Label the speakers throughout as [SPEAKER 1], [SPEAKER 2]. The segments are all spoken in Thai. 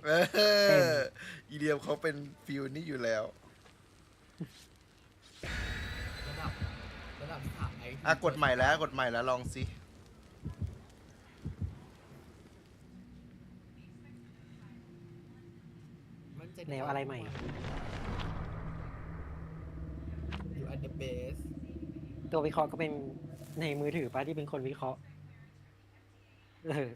[SPEAKER 1] เอ
[SPEAKER 2] เต็ม
[SPEAKER 1] ออีเดียมเขาเป็นฟิลนี่อยู่แล้ว
[SPEAKER 3] ระดับระดับสามไอที
[SPEAKER 1] อ่ะกดใหม่แล้วกดใหม่แล้วลองสิ
[SPEAKER 3] มั่นใจ
[SPEAKER 2] แนวอะไรใหม่
[SPEAKER 3] อยู่อันเดอะเบส
[SPEAKER 2] ตัววิเคราะห์ก็เป็นในมือถือป้าที่เป็นคนวิเคราะห์เออ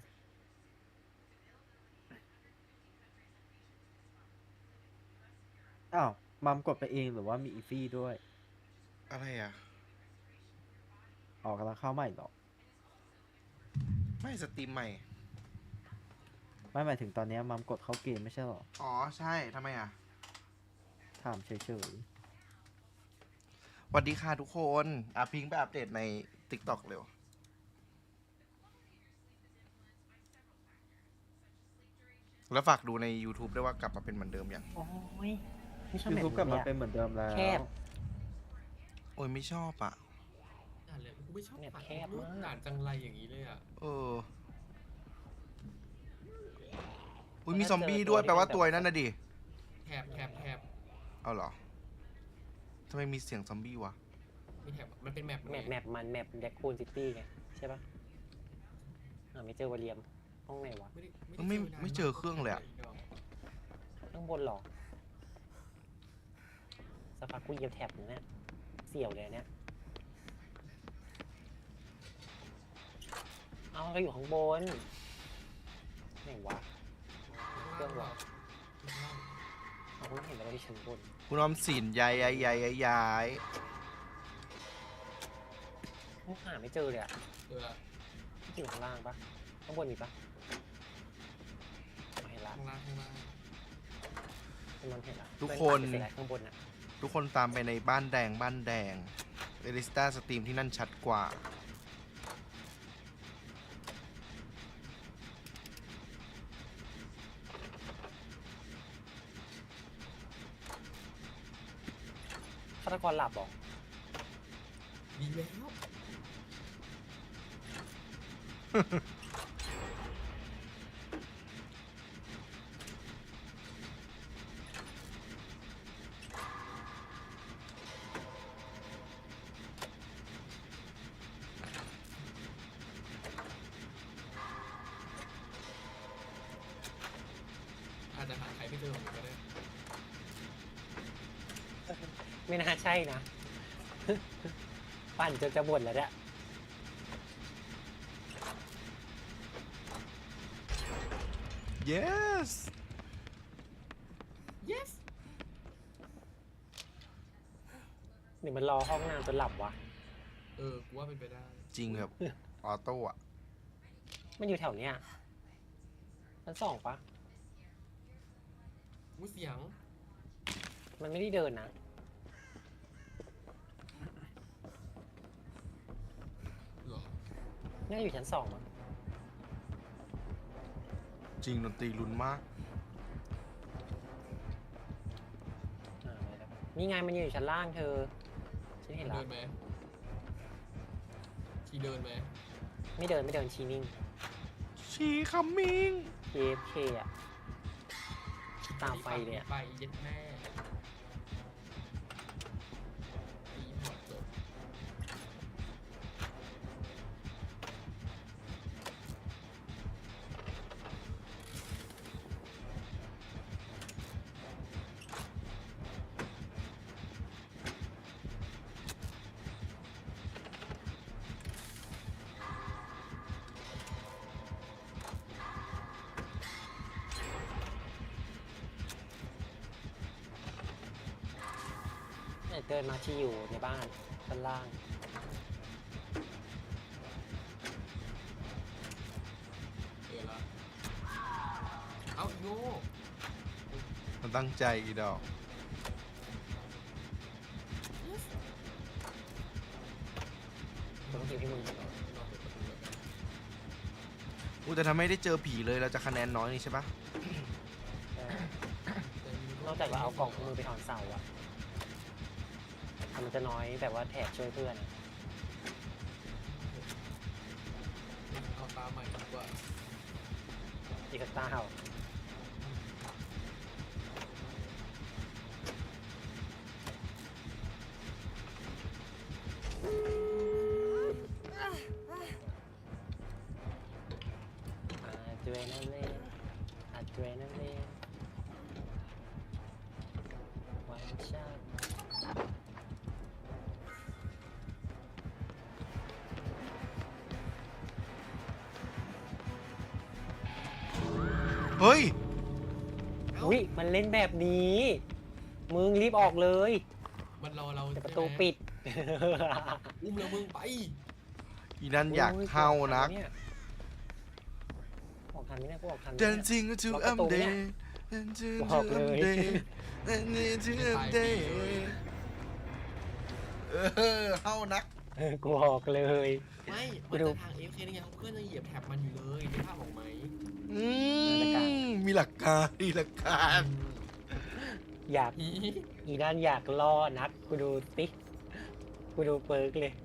[SPEAKER 4] อ้าวมัมกดไปเองหรือว่ามีอีฟี่ด้วย
[SPEAKER 1] อะไรอ่ะ
[SPEAKER 4] ออกกำลังเข้าใหม่หรอ
[SPEAKER 1] ไม่สตรีมใหม่
[SPEAKER 4] ไม่หมายถึงตอนเนี้ยมัมกดเข้าเกมไม่ใช่หรอ
[SPEAKER 1] อ๋อใช่ทำไมอ่ะ
[SPEAKER 4] ถามเฉย
[SPEAKER 1] สวัสดีค่ะทุกคนพิงค์ไปอัปเดตใน TikTok เร็ว แล้วฝากดูใน YouTube ด้วยว่ากลับมาเป็นเหมือนเดิมยัง
[SPEAKER 2] โอ้ยไม่ชอบ
[SPEAKER 4] ๆยู
[SPEAKER 2] แบบ
[SPEAKER 4] ทูบกลับมา
[SPEAKER 2] นี้
[SPEAKER 4] เป็นเหมือนเดิมแล้ว
[SPEAKER 2] แคบ
[SPEAKER 1] โอ้ยไม่ชอบอ่ะ
[SPEAKER 3] อ่านเลยกูไม่ชอบ
[SPEAKER 2] เนี่ย
[SPEAKER 3] อ่าน
[SPEAKER 2] แคบมาก
[SPEAKER 3] อ่านจังไรอย่างนี้เลยอ่ะ
[SPEAKER 1] เออ อุ้ยมีซอมบี้ด้วยแปลว่าตัวนั่นน่ะดิ
[SPEAKER 3] แถบ
[SPEAKER 1] เอาเหรอ ทำไมมีเสียงซอมบี้วะ
[SPEAKER 3] มีแถบมันเป็นแมป
[SPEAKER 2] แมปมันแมปแดกคูนซิตี้ไงใช่ปะไม่เจอวอลเลียมห้องไหนวะ
[SPEAKER 1] ไม่เจอเครื่องเลยอะ
[SPEAKER 2] ข้างบนหรอสักพักกูเหยียบแท็บอยู่เนี่ยเสี่ยวเลยเนี่ยเอาเราอยู่ข้างบนไหนวะเครื่องวะเอาคุณเห็นแล้วที่ชั้นบน
[SPEAKER 1] คุณออมสินย้าย
[SPEAKER 2] หาไม่เจอเลยอะ
[SPEAKER 3] เออ
[SPEAKER 2] อยู่ข้างล่างปะข้างบนมีปะไม่เห็นละ
[SPEAKER 3] ข้างล่าง
[SPEAKER 2] มันเห็นละ
[SPEAKER 1] ทุกคน
[SPEAKER 2] เสียข้างบนอะ
[SPEAKER 1] ทุกคนตามไปในบ้านแดงเอลิสตาสตรีมที่นั่นชัดกว่า
[SPEAKER 2] ฆาตกรหลับเหรอ
[SPEAKER 3] ดีแล้ว อาจจะหาใครไม่เจอผมก็ได้
[SPEAKER 2] ไม่น่าใช่นะ ปั่นจนจะบ่นแล้วเนี่ย
[SPEAKER 1] yes
[SPEAKER 3] yes
[SPEAKER 2] หรือมันรอห้องน้ำจนหลับวะ
[SPEAKER 3] กูว่าเป็นไปได้
[SPEAKER 1] จริงแบบออโต้อะ
[SPEAKER 2] มันอยู่แถวเนี้ยชั้นสองปะ
[SPEAKER 3] มูเสียง
[SPEAKER 2] มันไม่ได้เดินนะ
[SPEAKER 3] เหรอ
[SPEAKER 2] น่าจะอยู่ชั้นสองมั้ง
[SPEAKER 1] จริงดนตรีลุ้นมาก
[SPEAKER 2] ไม่ได้นี่ไงมันอยู่ชั้นล่างเธอ ฉันเห็น
[SPEAKER 3] เดิ
[SPEAKER 2] แล้ว
[SPEAKER 3] นไหมทีเดินไหม
[SPEAKER 2] ไม่เดินชีนิ่ง
[SPEAKER 1] ชีคัมมิง
[SPEAKER 2] KFK อะตามไฟเลยอะ
[SPEAKER 3] ไปเย็ดแม่ตีหัวจบ
[SPEAKER 2] เดินมาที่อยู่ในบ้านชั้นล่าง
[SPEAKER 3] ละเอาโง่
[SPEAKER 1] มันตั้งใจอีดอก
[SPEAKER 2] ต้องกินที่มึง
[SPEAKER 1] อู้แต่ถ้าไม่ได้เจอผีเลยเราจะคะแนนน้อยนี่ใช่ปะ
[SPEAKER 2] นอกจากเราเอากล่องมือไปถอนเสาอะมันจะน้อยแบบว่าแถบช่วยเพื่อนอะ
[SPEAKER 3] เอาตาใหม่ดีกว่า
[SPEAKER 2] อีกสักตาเหา
[SPEAKER 1] เฮ้ย
[SPEAKER 2] อุ้ยมันเล่นแบบนี้ มึงรีบออกเลย
[SPEAKER 3] มันรอเรา
[SPEAKER 2] แต่ประ
[SPEAKER 3] ใช่
[SPEAKER 2] ตู
[SPEAKER 3] ไหม
[SPEAKER 2] ปิด
[SPEAKER 3] อุ้มแล้วมึงไป
[SPEAKER 1] อีนั่นอยากเข้านัก
[SPEAKER 2] ออกทันไหมเนี่ยกูออกทันไหม
[SPEAKER 1] Dancing to
[SPEAKER 2] ล็อกประตูเนี่ย
[SPEAKER 1] update Dancing
[SPEAKER 2] บ
[SPEAKER 1] to
[SPEAKER 2] อกเลย
[SPEAKER 1] update Dancing to update เข้านัก
[SPEAKER 2] กูออกเลย
[SPEAKER 3] ไม่
[SPEAKER 2] กู
[SPEAKER 3] มัน
[SPEAKER 2] ดู
[SPEAKER 3] จะทาง AFK ได้ไงเพื่อนยังเหยียบแท็บมันอยู่เลยได้ภาพออกไหม
[SPEAKER 1] มีหลักการมีหลักการ
[SPEAKER 2] อยาก อีด้านอยากล่อนัก กูดูติ๊กกูดูเปิร์กเลย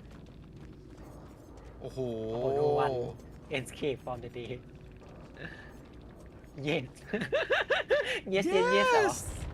[SPEAKER 1] โอ้โห
[SPEAKER 2] โอ้โหดูวัน Escape from the day yes yes yes yes เหรอ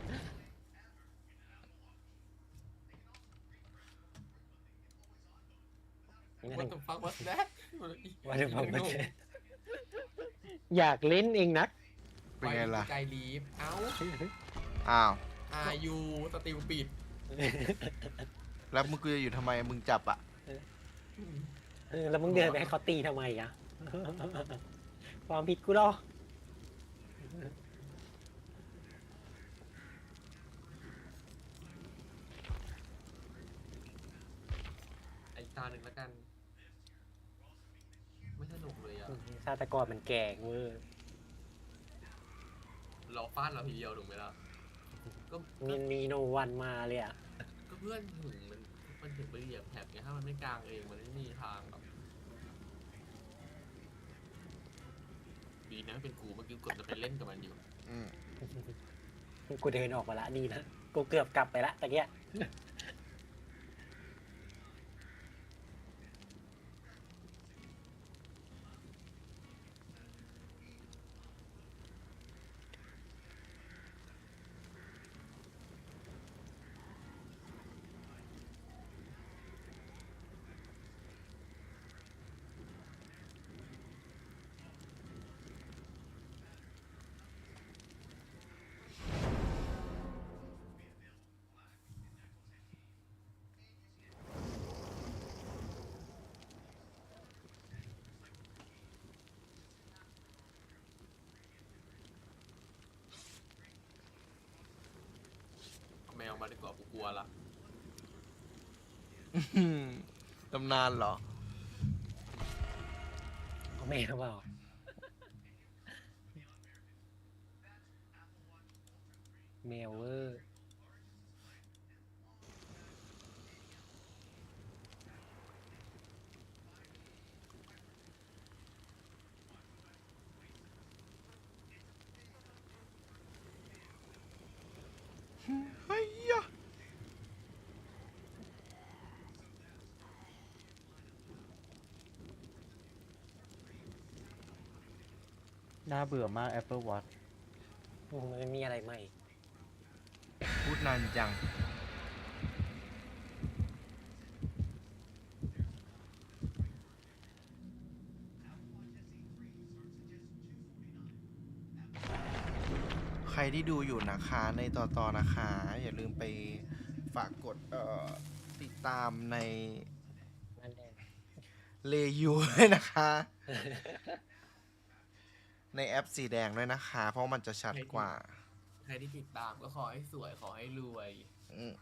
[SPEAKER 2] นี่
[SPEAKER 3] วั
[SPEAKER 2] นะ
[SPEAKER 3] นต้องฟังวัดแดก
[SPEAKER 2] ว่าจะบอกว่าอยากเล่นเองนัก
[SPEAKER 1] เป็นไงล่ะ
[SPEAKER 3] ใจลีฟเอ้า
[SPEAKER 1] อ้าว
[SPEAKER 3] อายุสติลปิด
[SPEAKER 1] แล้วมึงกูจะอยู่ทำไมมึงจับอ่ะ
[SPEAKER 2] แล้วมึงเดินไปให้เขาตีทำไมอะความผิดกูหรอ
[SPEAKER 3] ไอ้ตาหนึ่งแล้วกัน ไม่สนุกเลยอ่ะ
[SPEAKER 2] ชาตกรมันแก่เวอร์
[SPEAKER 3] รอฟาดเราทีเดียวถูกไหมล่ะ ก็
[SPEAKER 2] มันมีโนวันมาเลยอะ
[SPEAKER 3] ก็เพื่อนถึงมันถึงไปเหยียบแท็บไงถ้ามันไม่กลางเองมันไม่มีทางแบบดีนะเป็นกูเมื่อกี้กดจะไปเล่นกับมันอยู่
[SPEAKER 1] อืม
[SPEAKER 2] กูเดินออกมาละดีนะกูเกือบกลับไปละตะเกีย
[SPEAKER 3] เอาแมวมาดีกว่ากูกลัวละ
[SPEAKER 1] ตำนานเหรอ
[SPEAKER 2] เอาแม่เปล่าแมวเวอร์
[SPEAKER 1] เฮ้ยยะ
[SPEAKER 4] น่าเบื่อมาก Apple Watch
[SPEAKER 2] มันไม่มีอะไรใหม่
[SPEAKER 1] พูดนานจัง ใครที่ดูอยู่นะคะในต่อนะคะ อย่าลืมไปฝากกดติดตามใน
[SPEAKER 2] นั่นแหละ
[SPEAKER 1] เลยูด้วยนะคะ ในแอปสีแดงด้วยนะคะ เพราะมันจะชัดกว่า
[SPEAKER 3] ใครที่ติดตามก็ขอให้สวยขอให้รวย
[SPEAKER 1] อืม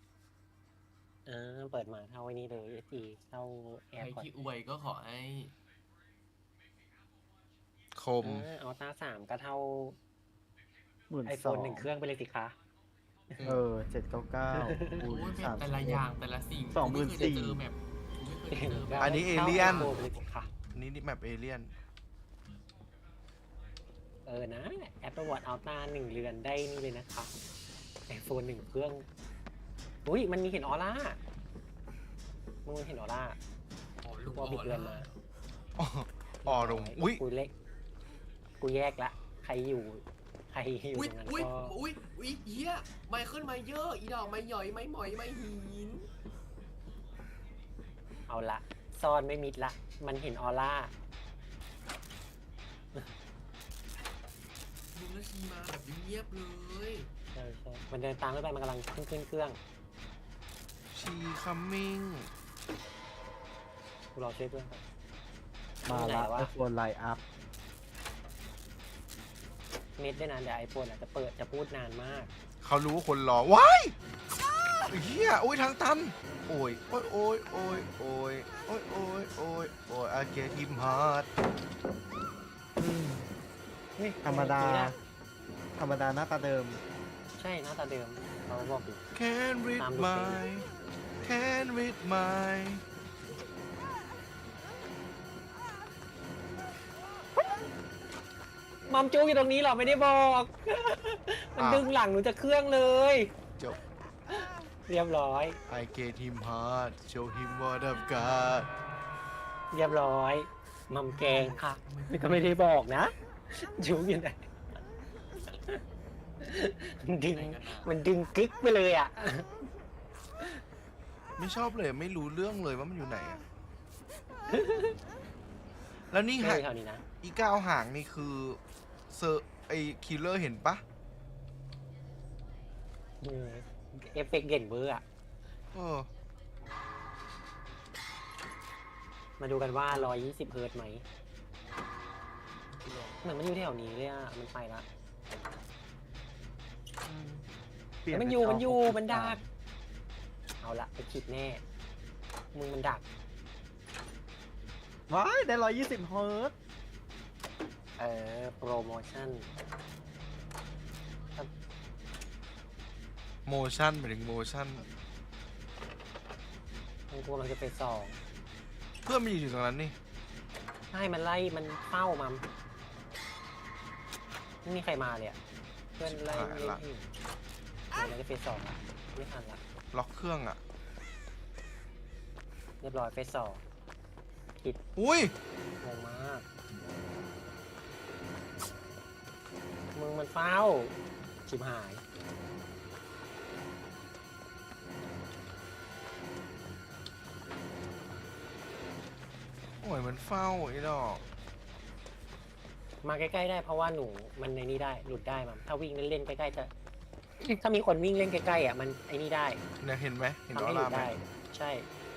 [SPEAKER 2] เปิดมาเท่าไอ้นี้เลยสีเท่าแอ
[SPEAKER 3] ใคร
[SPEAKER 2] ร์พอร์ต
[SPEAKER 3] ที่อวยก็ขอให้
[SPEAKER 1] คม
[SPEAKER 2] อัลต้า3ก็เท่า
[SPEAKER 4] 12,000
[SPEAKER 2] ไอโฟน1 เครื่องไปเลยสิคะ
[SPEAKER 4] 799คูณ
[SPEAKER 3] โอ้ยแบบแต่ละอย่างแต่ละสิ่ง
[SPEAKER 4] 24,000
[SPEAKER 3] กูไม่เคยเจอแบบกูไม่เคยเจอแบบ
[SPEAKER 1] อันนี้เอเลี่ยน
[SPEAKER 2] ท่า iPhone ไปเลยสิคะ
[SPEAKER 1] นี่แมปเอเลียน
[SPEAKER 2] นะ Apple Watch Ultra 1 เรือนได้นี่เลยนะคะไอโฟน1 เครื่อง อุ้ยมันมีเห็นออร่า มึงเห็นออร่า
[SPEAKER 3] อ๋อลูก
[SPEAKER 2] ตัวบิดเรือนมา
[SPEAKER 1] อ๋อลงอุ้ย
[SPEAKER 2] กูเล็ก กูแยกละ ใครอยู่ต
[SPEAKER 3] อุ้ย
[SPEAKER 2] รงนั้น
[SPEAKER 3] อุ้ย
[SPEAKER 2] ก็
[SPEAKER 3] อุ้ยอุ้ยเฮียไมเคิลไมเยอร์อีดอกไมหย่อยไมหมอยไมหิน
[SPEAKER 2] เอาละ ซ่อนไม่มิดละ มันเห็นออร่า
[SPEAKER 3] มึงแล้วชีมาแบบเงียบเลย
[SPEAKER 2] ใช่มันเดินตามขึ้นไป มันกำลังขึ้นเครื่อง
[SPEAKER 1] ชีคัมมิ่ง
[SPEAKER 2] กูรอช่วยเพื่อนก่อน
[SPEAKER 4] มา
[SPEAKER 2] อยู่ไหน
[SPEAKER 4] ละ
[SPEAKER 2] วะ
[SPEAKER 4] iPhone Line Up
[SPEAKER 2] เม็ดด้วยนะเดี๋ยวไอโฟนอาจจะเปิดจะพูดนานมาก
[SPEAKER 1] เขารู้ว่าคนรอว้ายเฮียโอ้ยทางตันโอ้ยโอ้ยโอ้ยโอ้ยโอ้ยโอ้ยโอ้ยโอ้ยโอ้ยอาเกทิมฮาร์ด
[SPEAKER 4] ธรรมดา ธรรมดาหน้าตาเดิม
[SPEAKER 2] ใช่หน้าตาเดิมเขาบอกอยู่
[SPEAKER 1] Can't read
[SPEAKER 2] ตามดู
[SPEAKER 1] my Can't read my
[SPEAKER 2] มัมจูอยู่ตรงนี้เหรอไม่ได้บอก มันดึงหลังหนูจะเครื่องเลย
[SPEAKER 1] จบ
[SPEAKER 2] เรียบร้อย
[SPEAKER 1] I gave him heart show him what I've got
[SPEAKER 2] เรียบร้อย มัมแกงค่ะมันก็ไม่ได้บอกนะจูอยู่ไหนมันดึง
[SPEAKER 3] ไหนกันนะ
[SPEAKER 2] มันดึงกึกไปเลยอ่ะ
[SPEAKER 1] ไม่ชอบเลยไม่รู้เรื่องเลยว่ามันอยู่ไหนอะแล้วนี่
[SPEAKER 2] ไม่
[SPEAKER 1] หาง
[SPEAKER 2] แถวนี้นะ
[SPEAKER 1] อีก้าวหางนี่คือเซอร์ไอคิลเลอร์เห็นปะ
[SPEAKER 2] เอฟเฟกต์เด่นเบอร์อ่ะ
[SPEAKER 1] เออ
[SPEAKER 2] มาดูกันว่า 120 เฮิร์ตซ์ไหมเหมือนมันอยู่แถวนี้เลยอ่ะ มันไปละ
[SPEAKER 4] เปลี่ยน
[SPEAKER 2] มัน
[SPEAKER 4] เป็
[SPEAKER 2] อยู่
[SPEAKER 4] จ
[SPEAKER 2] มันอยู่
[SPEAKER 4] 63
[SPEAKER 2] มันดัก เอาละไปคิดแน่ มึงมันดัก
[SPEAKER 4] ว้ายได้120 เฮิร์ตซ์
[SPEAKER 2] โปรโมชั่น
[SPEAKER 1] โมชั่นหมายถึงโมชั่น
[SPEAKER 2] มันกลัวมันจะไปสอง
[SPEAKER 1] เพื่อนมันอยู่ตรงนั้นนี่
[SPEAKER 2] ใช่ มันไล่ มันเฝ้ามันไม่มีใครมาเลยอ่ะ เพื่อนไล่เล่นที่เดี๋ยวมันจะเฟสสองละไม่ทันละ
[SPEAKER 1] ล็อกเครื่องอ่ะ
[SPEAKER 2] เรียบร้อยเฟสสอง
[SPEAKER 1] อุ้ย
[SPEAKER 2] งงมาก มึงมันเฝ้า ชิบหาย
[SPEAKER 1] โอ้ยมันเฝ้าไอ้ดอก
[SPEAKER 2] มาใกล้ๆได้เพราะว่าหนูมันในนี้ได้หลุดได้มันถ้าวิ่งเล่นๆใกล้ๆจะ ถ้ามีคนวิ่งเล่นใกล้ๆอ่ะมันไอ้นี่ได้
[SPEAKER 1] เนี่ยเห็นไหมเห็น
[SPEAKER 2] ทำ
[SPEAKER 1] ออ
[SPEAKER 2] ให้หลุ
[SPEAKER 1] ร่า
[SPEAKER 2] ด
[SPEAKER 1] ไหม
[SPEAKER 2] ได้ ใช่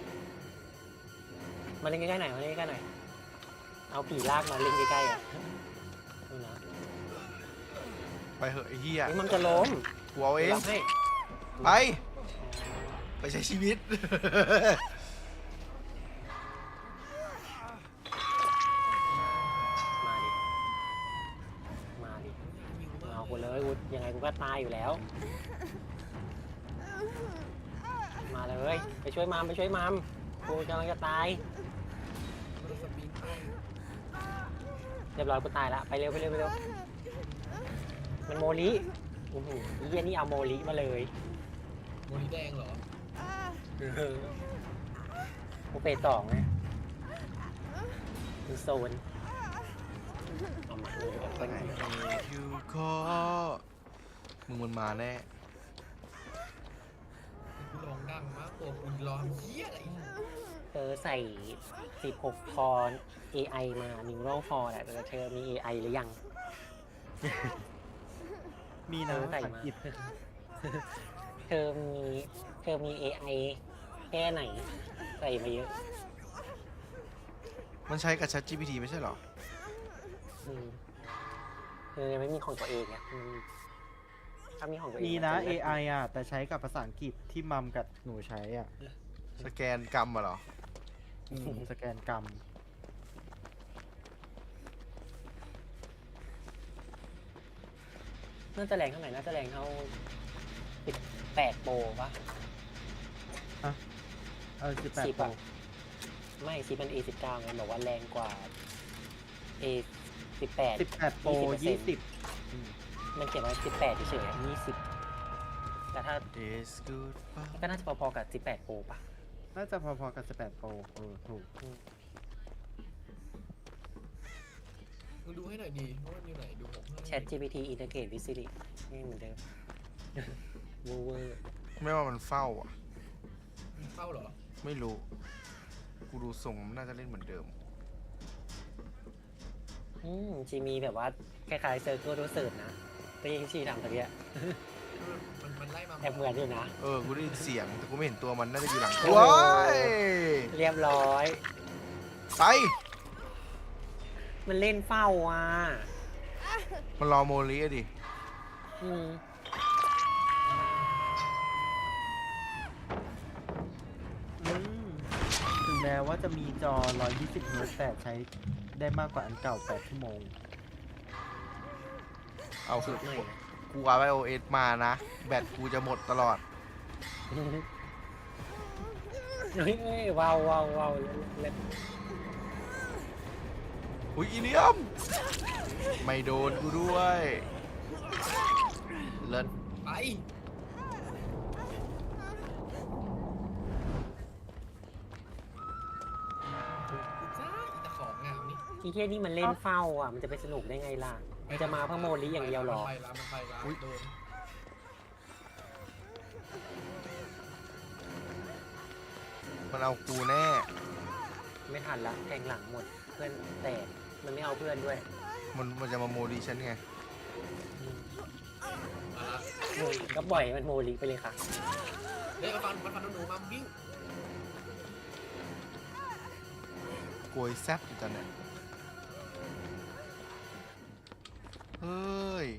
[SPEAKER 2] มาเล่นใกล้ๆหน่อยมาเล่นใกล้ๆหน่อยเอาผีลากมาเล่นใกล้ๆอ่ะดูนะ
[SPEAKER 1] ไปเหอะไอ้เหี้ย
[SPEAKER 2] นี่มันจะล้ม
[SPEAKER 1] กูเอาเอง
[SPEAKER 2] รับให้
[SPEAKER 1] ไป ไปใช้ชีวิต
[SPEAKER 2] มาดิมาดิเอากูเลยกูยังไงกูก็ตายอยู่แล้ว มาเลยไปช่วยมามไปช่วยมามกูกำลังจะตาย
[SPEAKER 3] รถสปริงเกอร์
[SPEAKER 2] เรียบร้อยกูตายละไปเร็วไปเร็วไปเร็วมันโมลิโอ้โหเยี่ยนี่เอาโมลิมาเลย
[SPEAKER 3] โมลิแดงเหรอ
[SPEAKER 2] กูเฟสสองไงมีโซนเอามาเลยเอาไปไหน
[SPEAKER 1] คิวคอมึงมันมาแน่
[SPEAKER 3] กูร้องดังมากตัวกูร้องเหี้ยอะไร
[SPEAKER 2] ใส่ 16 คอน AI มา Neural Core แหละแต่เธอมี AI หรือยัง
[SPEAKER 4] มีนะ
[SPEAKER 2] ใส่
[SPEAKER 4] สัง
[SPEAKER 2] มา
[SPEAKER 4] กิต
[SPEAKER 2] เธอมี AI แค่ไหน ใส่มาเยอะ
[SPEAKER 1] มันใช้กับ ChatGPT ไม่ใช่เหรอ
[SPEAKER 2] อืมเธอยังไม่มีของตัวเองอ่ะถ้ามีของตัวเอง
[SPEAKER 4] มีนะ
[SPEAKER 2] จเลิศ
[SPEAKER 4] AI อ่ะ แต่ใช้กับภาษาอังกฤษที่มัมกับหนูใช้อ่ะ
[SPEAKER 1] สแกนกรรมอะเหรอ
[SPEAKER 4] สแกนกรรม
[SPEAKER 2] น่าจะแรงเท่าไหร่น่าจะแรงเท่า 18 โปรปะ
[SPEAKER 4] 18
[SPEAKER 2] 10
[SPEAKER 4] โปร
[SPEAKER 2] อะไม่10มัน A19 ไงบอกว่าแรงกว่า A18
[SPEAKER 4] 18 โปร
[SPEAKER 2] 20%
[SPEAKER 4] 20
[SPEAKER 2] มันเขียนว่า18เฉยๆอะ20 แต่ถ้า
[SPEAKER 1] Days goodbye
[SPEAKER 2] ก็น่าจะพอๆกับ18 โปรปะ
[SPEAKER 4] น่าจะพอๆกับ18 โปรถูก
[SPEAKER 3] มึงดูให้หน่อยดีว่ามันอยู่ไหนดูผมให้
[SPEAKER 2] Chat GPT Integrate with Siri นี่เหมือนเดิม เวอร์
[SPEAKER 1] ไม่ว่ามันเฝ้าอ่ะ
[SPEAKER 3] มันเข้าเหรอ
[SPEAKER 1] ไม่รู้ กูดูทรงมันน่าจะเล่นเหมือนเดิม
[SPEAKER 2] จีมีแบบว่าคล้ายๆ Circle to Search นะที่ชีทำตะเกีย
[SPEAKER 3] มันไล่มา
[SPEAKER 2] แอบเหมือนอยู่นะ
[SPEAKER 1] กูได้ยินเสียง แต่กูไม่เห็นตัวมันน่าจะอยู่หลัง
[SPEAKER 2] โอ้โห
[SPEAKER 1] ว้าย
[SPEAKER 2] เรียบร้อย
[SPEAKER 1] ไป
[SPEAKER 2] มันเล่นเฝ้าอ่ะ
[SPEAKER 1] มันรอโมลีอะดิ
[SPEAKER 2] อืม
[SPEAKER 4] อืมถึงแม้ว่าจะมีจอ 120 เฮิร์ตซ์แต่ใช้ได้มากกว่าอันเก่า 8 ชั่วโมง
[SPEAKER 1] เอา
[SPEAKER 2] สูตรใหม่นะ
[SPEAKER 1] กูเอา iOS มานะ แบตกูจะหมดตลอด
[SPEAKER 2] เฮ้ยเฮ้ยว้าวว้าวว้าวเล่น
[SPEAKER 1] อุ้ยอีเนียม ไม่โดนกูด้วยเลิศ
[SPEAKER 3] ไป กูจ้าอีตะของงามนี่
[SPEAKER 2] ที่เที่ยนี่มันเล่นเฝ้าอ่ะ มันจะไปสนุกได้ไงล่ะ มันจะมาเพื่อโมลิอย่างเดียวหรอ
[SPEAKER 3] มันไปละมันไปละโดน
[SPEAKER 1] มันเอากูแน่
[SPEAKER 2] ไม่ทันละแทงหลังหมด เพื่อนแตกมันไม่เอาเพื่อนด้วย
[SPEAKER 1] มันจะมาโมลีฉันไง
[SPEAKER 2] อืม
[SPEAKER 3] มาละ
[SPEAKER 2] ก็ปล่อยมันโมลิไปเลยค่ะ
[SPEAKER 3] เฮ้ยมันฟันหนูมาวิ่ง
[SPEAKER 1] โกยแซบอยู่ตอนเนี้ยเฮ้ย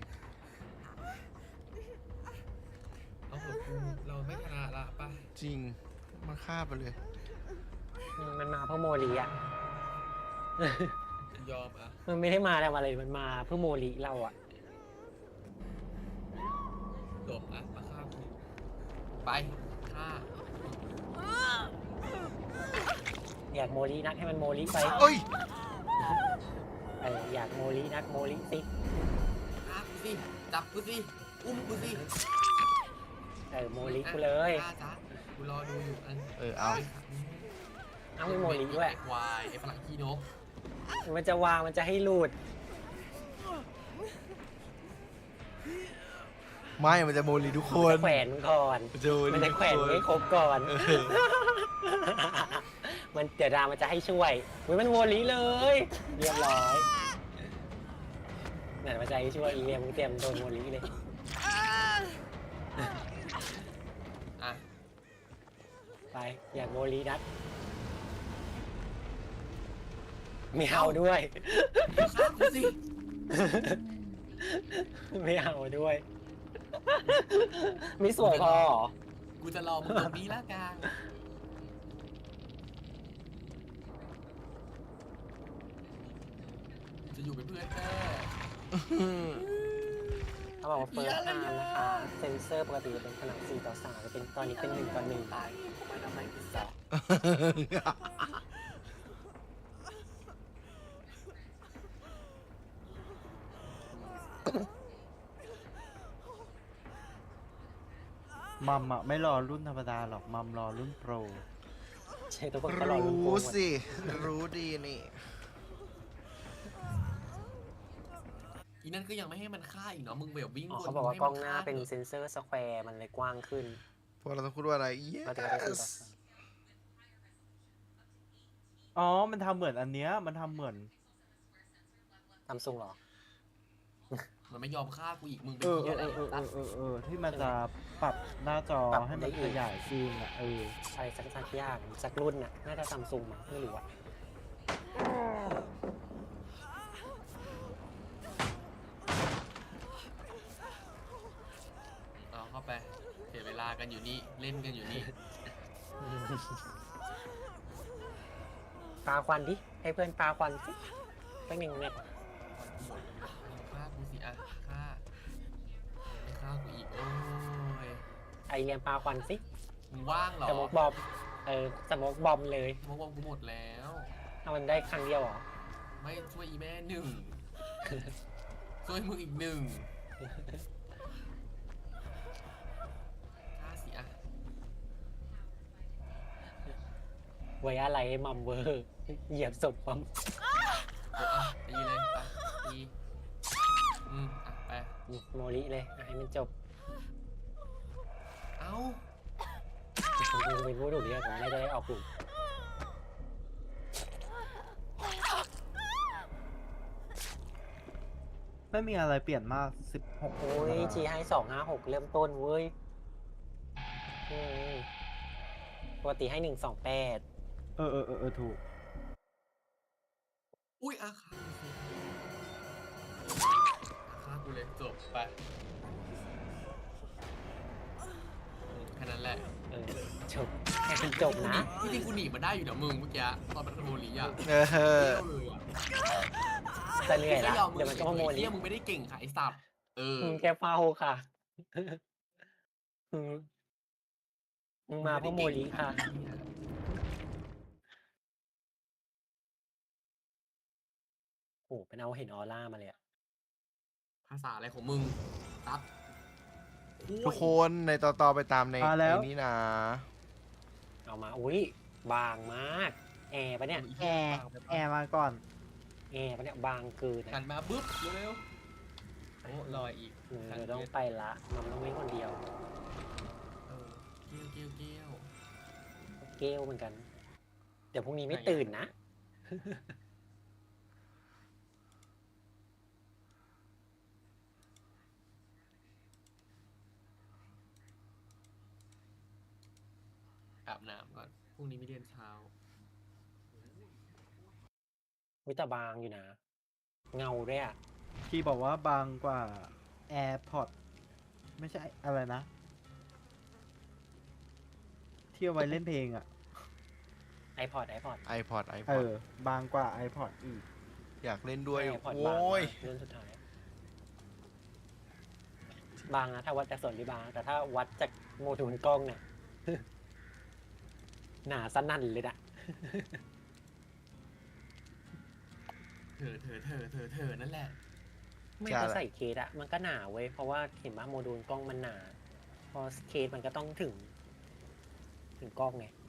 [SPEAKER 3] เอาหัวกูเราไม่ชนะละป่ะ
[SPEAKER 1] จริง มันฆ่าไปเลย
[SPEAKER 2] มันมาเพื่อโมลิอ่ะ
[SPEAKER 3] ยอมอ่ะ
[SPEAKER 2] มันไม่ได้มาทำอะไร มันมาเพื่อโมลิเราอ่ะ
[SPEAKER 3] หลบอ่ะมาฆ่ากูไปฆ่า
[SPEAKER 2] อยากโมลินักให้มันโมลิไป
[SPEAKER 1] เอ้ย
[SPEAKER 2] อยากโมลินักโมลิสิ
[SPEAKER 3] ฆ่ากูสิจับกูสิอุ้มกูสิ
[SPEAKER 2] โมลิกูเลย
[SPEAKER 3] ฆ่าจ้ะกูรอดูอยู่อัน
[SPEAKER 1] เอา
[SPEAKER 2] เอาไม่โมลิด้วย
[SPEAKER 3] ไอ้ควายไอ้ฝรั่งขี้นก
[SPEAKER 2] มันจะวางมันจะให้หลุด
[SPEAKER 1] ไม่ มันจะโมลีทุกคน
[SPEAKER 2] จะแขวนมันก่อน
[SPEAKER 1] มันจะโมลี
[SPEAKER 2] มันจะ
[SPEAKER 1] ทุก
[SPEAKER 2] แขวน
[SPEAKER 1] คน
[SPEAKER 2] ให้ครบก่อน
[SPEAKER 1] เออ
[SPEAKER 2] มันเดี๋ยวดามันจะให้ช่วยอุ๊ยมันโมลิเลย เรียบร้อยนั่นมันจะให้ช่วยอีเมียมึงเตรียมโดนโมลิเลย
[SPEAKER 3] อ่ะ
[SPEAKER 2] ไปอยากโมลีนัดไม่เอาด้วย
[SPEAKER 3] ฆ่ากูสิ
[SPEAKER 2] ไม่เอาด้วย ไม่สวยพอเหรอ
[SPEAKER 3] กูจะรอมึงตรงนี้ละกันจะอยู่เป็นเพื่อนแค่
[SPEAKER 2] เขาบอกว่าเฟิร์สไทม์นะคะ เซนเซอร์ปกติจะเป็นขนาด4:3จะเป็นตอนนี้เป็น1:1
[SPEAKER 3] ตายกูไปทำไมกูสอบ
[SPEAKER 4] มัมอ่ะ ไม่รอรุ่นธรรมดาหรอก มัมรอรุ่นโปร
[SPEAKER 2] ใช่ทุกคนก็รอลุ้นโปร
[SPEAKER 1] รู้
[SPEAKER 2] หมด
[SPEAKER 1] สิ รู้ดีนี่
[SPEAKER 3] อีนั่นก็ยังไม่ให้มันฆ่าอีกเนาะมึงแบบวิ่ง
[SPEAKER 2] อ๋อ
[SPEAKER 3] วน
[SPEAKER 2] เขาบอกว่ากล้องหน้าเป็น
[SPEAKER 3] ให้มั
[SPEAKER 2] เซนเซอร์สแควร์มันเลยกว้างขึ้น
[SPEAKER 1] พวกเราต้องพูดว่าอะไร
[SPEAKER 2] เราจะได้4:3
[SPEAKER 1] yes
[SPEAKER 4] อ๋อ มันทำเหมือนอันเนี้ย มันทำเหมือน
[SPEAKER 2] ซัมซุงเหรอ
[SPEAKER 3] มันไม่ยอมฆ่ากูอีกมึงเป็
[SPEAKER 4] เอน อ
[SPEAKER 3] เหี้ยอะไรตัด
[SPEAKER 4] ที่มันจะปรับหน้าจอ
[SPEAKER 2] ปรับ
[SPEAKER 4] ให้มัน
[SPEAKER 2] ได้อีก
[SPEAKER 4] ขยายซีนอ่ะ
[SPEAKER 2] อะไรสักอย่างสักรุ่นน่ะ น่าจะซัมซุงมั้งไม่รู้อะ
[SPEAKER 3] เอาเข้าไปเสียเวลากันอยู่นี่เล่นกันอยู่นี่
[SPEAKER 2] ปาควันดิ ให้เพื่อนปาควันสิสัก1 เม็ด
[SPEAKER 3] หมดฆ่ากูสิอ่ะฆ่าไม่ฆ่ากูอีกโอ้ย
[SPEAKER 2] ไอเรียนปาควันสิ
[SPEAKER 3] มึงว่างเหรอ
[SPEAKER 2] สโมกบอมสโมกบอมเลย
[SPEAKER 3] สมองกูหมดแล้ว
[SPEAKER 2] ถ้ามันได้ครั้งเดียวเหรอ
[SPEAKER 3] ไม่ช่วยอีแม่หนึ่ง ช่วยมึงอีกหนึ่งฆ่าสิอ่ะ
[SPEAKER 2] ไว้อะไรให้มัมเวอร์ เหยียบศพมัม
[SPEAKER 3] เอออ่ะตีเลยไปตีอ่ะไป
[SPEAKER 2] โมลิเลยให้มันจบ
[SPEAKER 3] เอ้า
[SPEAKER 2] ผมเป็นผู้ถูกเลือกผมไม่ได้ออกกลุ่ม
[SPEAKER 4] ไม่มีอะไรเปลี่ยนมาก 16
[SPEAKER 2] โอ้ยจีให้256 เริ่มต้นเว้ยอืมปกติให้128
[SPEAKER 4] ถูก
[SPEAKER 3] อุ้ยอ่ะฆ่ากูสิกูเลยจบไปแค่นั้นแหละ
[SPEAKER 2] จบแค่เป็นจบนะ
[SPEAKER 3] ที่จริงกูหนีมาได้อยู่นะมึงเมื่อกี้ตอนมันขโมยลีอ่ะ
[SPEAKER 1] เออ
[SPEAKER 3] เที่ยวเลยอ่ะ
[SPEAKER 2] จะเหนื่อยละ
[SPEAKER 3] ไม่ยอม
[SPEAKER 2] เดี๋ยวมันก็มาโม
[SPEAKER 3] ไอ้
[SPEAKER 2] ลิ
[SPEAKER 3] เที่ยมึงไม่ได้เก่งค่ะไอ้สัตว์เออ
[SPEAKER 2] มึงแกเฝ้าค่ะมึงมึงมาเพราะโมลิค่ะ โอ้เป็นเอาเห็นออร่ามาเลยอะ
[SPEAKER 3] ภาษาอะไรของมึงตัด
[SPEAKER 1] ทุกคนในต่อไปตามใน
[SPEAKER 4] มาแล้ว
[SPEAKER 1] นี้นะ
[SPEAKER 2] เอามาอุ้ยบางมาก แอร์ปะเนี่ย
[SPEAKER 4] แอร์มาก่อน
[SPEAKER 2] แอร์ปะเนี่ยบางเกิน
[SPEAKER 3] หั
[SPEAKER 2] นะ
[SPEAKER 3] นมาปุ๊บเร็วๆโอ้ลอยอีก
[SPEAKER 2] เดี๋ยวต้องไปละมันต้องวิ่งคนเดียว
[SPEAKER 3] เออเกี้ยวเกี้ยวเกี้ยว
[SPEAKER 2] เกลเหมือนกัน เดี๋ยวพรุ่งนี้ไม่ตื่นนะ
[SPEAKER 3] อาบน้ำก่อนพรุ่งนี้มีเรียนเช้า
[SPEAKER 2] วิแต่บางอยู่นะ เงาด้วยอะ
[SPEAKER 4] ที่บอกว่าบางกว่า AirPod ไม่ใช่อะไรนะ ที่เอาไว้เล่นเพลงอ่ะ
[SPEAKER 2] ไอพอด
[SPEAKER 1] iPod
[SPEAKER 4] บางกว่า iPod อีก
[SPEAKER 1] อยากเล่นด้วย
[SPEAKER 2] ไอพอดบาง
[SPEAKER 1] โอ้ย
[SPEAKER 2] เรื่องสุดท้าย บางนะถ้าวัดจากส่วนที่บาง แต่ถ้าวัดจากโมดูลกล้องเนี่ย หนาสนั่นเลยนะ
[SPEAKER 3] เธอนั่นแหละ
[SPEAKER 2] ไม่
[SPEAKER 1] ใช่
[SPEAKER 2] พอใส่เคสอะมันก็หนาเว้ย เพราะว่าเห็นว่าโมดูลกล้องมันหนา พอเคสมันก็ต้องถึงกล้องไง